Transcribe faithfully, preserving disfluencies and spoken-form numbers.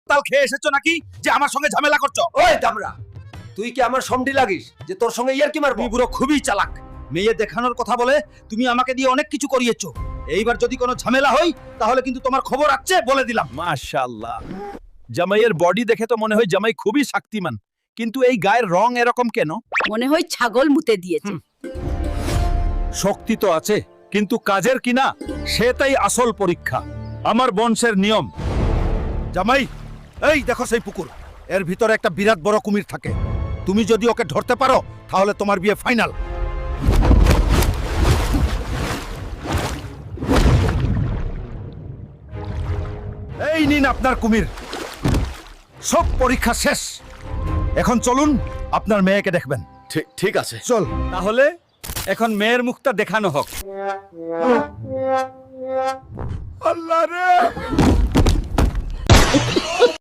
তাল খেয়ে এসেছো নাকি যে আমার সঙ্গে ঝামেলা করছো? ওই দামড়া, তুই কি আমার সমডি লাগিস যে তোর সঙ্গে ইয়ার কি মারবো? তুমি বুড়ো খুবই চালাক। মেয়ে দেখানোর কথা বলে তুমি আমাকে দিয়ে অনেক কিছু করিয়েছো। এইবার যদি কোনো ঝামেলা হয় তাহলে কিন্তু তোমার খবর আছে বলে দিলাম। মাশাআল্লাহ, জামাইয়ের বডি দেখে তো মনে হয় জামাই খুবই শক্তিমান, কিন্তু এই গায়ের রং এরকম কেন? মনে হয় ছাগল মুতে দিয়েছে। শক্তি তো আছে, কিন্তু কাজের কিনা সেটাই আসল পরীক্ষা। আমার বংশের নিয়ম। জামাই, এই দেখো সেই পুকুর, এর ভিতরে একটা বিরাট বড় কুমির থাকে। তুমি যদি ওকে ধরতে পারো তাহলে তোমার বিয়ে ফাইনাল। এই নিন আপনার কুমির। সব পরীক্ষা শেষ। এখন চলুন আপনার মেয়েকে দেখবেন। ঠিক ঠিক আছে। চল। তাহলে এখন মেয়ের মুখটা দেখানো হোক। আল্লাহ রে!